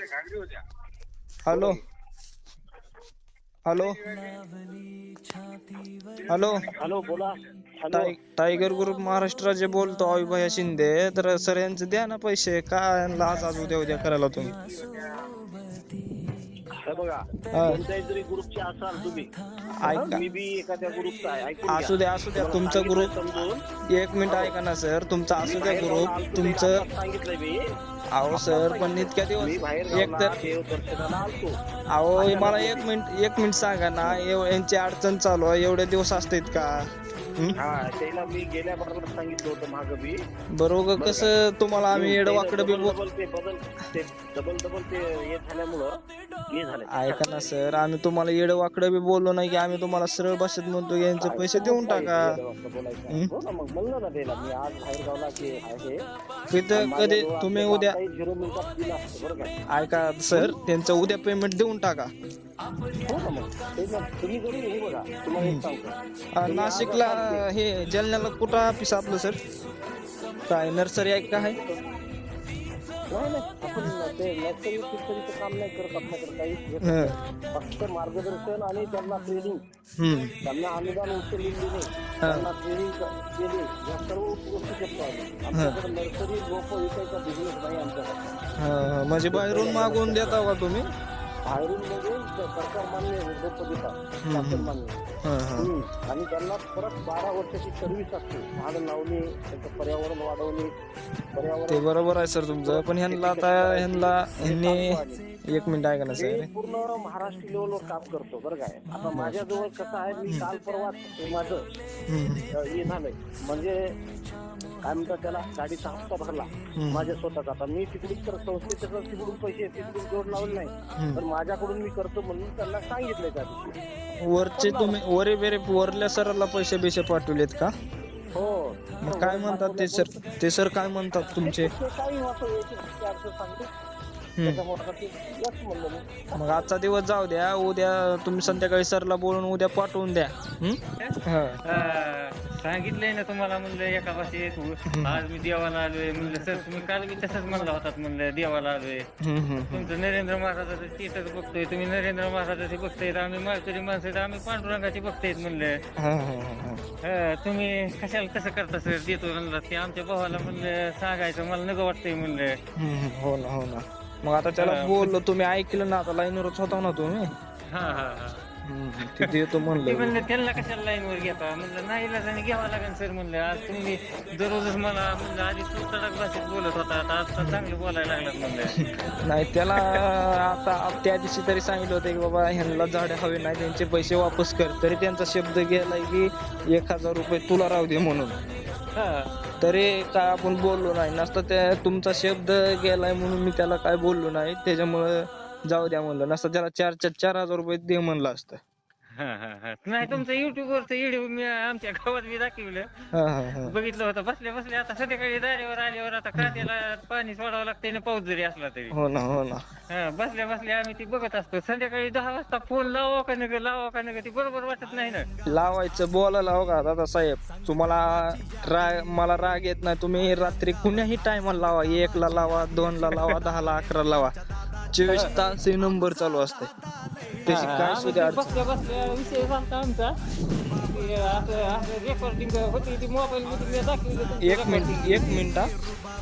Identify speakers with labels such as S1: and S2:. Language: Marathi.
S1: हॅलो हॅलो हॅलो
S2: हॅलो बोला. हॅलो
S1: टायगर ग्रुप महाराष्ट्राचे बोलतो अविभाया शिंदे. तर सर यांचे द्या ना पैसे. काय आज उद्या करायला तुम्ही.
S2: हे बघा,
S1: हा.
S2: कोणत्याही जरी ग्रुपचे असाल तुम्ही,
S1: ऐका,
S2: मी बी एखाद्या ग्रुपचा आहे, ऐकून घ्या.
S1: असू द्या
S2: तुम्हाला
S1: तुमचा
S2: सांगितलंय
S1: ग्रुप.
S2: समजून.
S1: एक मिनिट ऐका ना सर, तुमचा
S2: मी
S1: असू द्या
S2: बाहेर गावला
S1: ग्रुप
S2: आलतो, ते
S1: तुमचं.
S2: आत्ताच सांगितलंय मी.
S1: अहो सर पण इतक्या
S2: मी
S1: दिवस
S2: बाहेर
S1: एक
S2: गावला
S1: तर
S2: देवदर्शनाला आलतो.
S1: अहो
S2: अचानक
S1: मला
S2: होती.
S1: एक मिनिट सांगा ना. यांची अडचण चालू आहे, एवढे दिवस असतात का.
S2: हा, त्याला मी गेल्या बरोबर सांगितलं होतं मागं बी.
S1: बरोबर कसं तुम्हाला आम्ही येडवाकडं बी
S2: डबल ते हे झाल्यामुळं हे झालं.
S1: ऐका ना सर, आम्ही तुम्हाला येडवाकडं बी बोललो नाही की. आम्ही तुम्हाला सरळ भाषेत म्हणतो की यांचे पैसे देऊन टाका.
S2: हो ना, मग म्हणलं ना त्याला मी आज बाहेर गावला की आहे.
S1: तिथं कधी तुम्ही उद्या
S2: 0 मिनिटात दिला असतं बरं का.
S1: ऐका सर, त्यांचं उद्या पेमेंट देऊन टाका.
S2: हो ना, मग तुम्ही जरूर हे बघा, तुम्हाला एक सांगतो.
S1: नाशिकला हे जालन्याला कुठं ऑफिस आपलं सर. काय नर्सरी आहे का? आहे
S2: नाही आपण ते नर्सरी फिशरीचं काम नाही करत आपल्याकडे काही. फक्त मार्गदर्शन आणि त्यांना ट्रेनिंग, त्यांना अनुदान उचललेली नाही, त्यांना ट्रेनिंग केली, या सर्व गोष्टी करतो आम्ही. आमच्याकडे नर्सरी रोप विकायचा बिझनेस नाही आमच्याकडे.
S1: म्हणजे बाहेरून मागवून देता का तुम्ही.
S2: बाहेरून म्हणजे सरकार मान्य रोप देतात, शासन मान्य. आणि त्यांना परत 12 वर्षाची सर्व्हिस असते. झाड लावणे, त्याचं पर्यावरण वाढवणे,
S1: ते बरोबर आहे सर तुमचं. पण ह्यांना एक मिनिट ऐका ना सर.
S2: पूर्ण महाराष्ट्र लेवलवर काम करतो बरं काय. आता माझ्याजवळ कसं आहे, मी काल परवा माझं हे झालंय, म्हणजे काय म्हणतात त्याला, गाडीचा हप्ता भरला माझ्या स्वतःचा. आता मी तिकडून तर संस्थेच्या तिकडून पैसे तिकडून जोड लावले नाही, तर माझ्याकडून मी करतो म्हणून त्यांना सांगितलंय त्या दिवशी.
S1: वरचे तुम्ही वरल्या सराला पैसे पाठवलेत का.
S2: हो.
S1: मग काय म्हणतात ते सर काय म्हणतात तुमचे.
S2: काही सांगतो.
S1: मग आजचा दिवस जाऊ द्या, उद्या तुम्ही संध्याकाळी सरला बोलून उद्या पाठवून द्या.
S3: सांगितलंय ना तुम्हाला म्हणलं एका भाषेत. आज मी देवाला आलोय म्हणलं. सर तुम्ही काल बी तसंच म्हणला होतात म्हणलं देवाला आलोय. तुमचं नरेंद्र महाराजाचं स्टेटस बघतोय तुम्ही. नरेंद्र महाराजाचे बघतायत, आम्ही माळकरी माणसं, आम्ही पांडुरंगाचे बघतायत म्हणलं. तुम्ही कशाला तसं करता सर. देतो म्हणलं ते आमच्या भावाला म्हणलं सांगायचं मला नको वाटतंय म्हणलं.
S1: हो ना. मग आता त्याला बोललो, तुम्ही ऐकलं ना. आता लाईनवरच होता ना तुम्ही. तिथे येतो म्हणलं.
S3: त्यांना कशाला लाईनवर घेता म्हणलं. नाही इलाजाने घ्यावं लागेल सर म्हणलं. आज तुम्ही दररोजच मला म्हणलं आधी तू तडक भाषेत बोलत होता, आता चांगलं बोलायला लागलात म्हणलं.
S1: नाही त्याला आता त्या दिवशी तरी सांगितलं होतं की बाबा ह्यांना झाडे हवे नाही, त्यांचे पैसे वापस कर. तरी त्यांचा शब्द गेलाय की 1000 रुपये तुला राहू दे म्हणून. तरी काय आपण बोललो नाही. नसतं त्या तुमचा शब्द गेलाय म्हणून मी त्याला काय बोललो नाही. त्याच्यामुळं जाऊ द्या म्हणलं. नसतं त्याला 4,000 रुपये दे म्हणलं असतं.
S3: नाही तुमचं युट्यूब वरचं व्हिडिओ मी आमच्या गावात मी दाखवलं, बघितलं होतं. बसल्या आता संध्याकाळी दारेवर आल्यावर आता कांद्याला पाणी सोडावं लागतंय ना, पाऊस जरी असला तरी.
S1: हो ना.
S3: बसल्या आम्ही ती बघत असतो. संध्याकाळी 10 वाजता फोन लावा का नका ती बरोबर वाटत नाही ना.
S1: लावायचं बोलायला. हो का दादा साहेब, तुम्हाला मला राग येत नाही. तुम्ही रात्री कुण्याही टायमाला लावा. 1 ला लावा, 2 ला लावा, 10 ला, 11 लावा. 24 तास हे नंबर चालू असते. त्याची काय सुद्धा
S3: बसल्या विषय झालता आमचा. रेकॉर्डिंग होती ती मोबाईल मध्ये दाखवली.
S1: एक मिनिट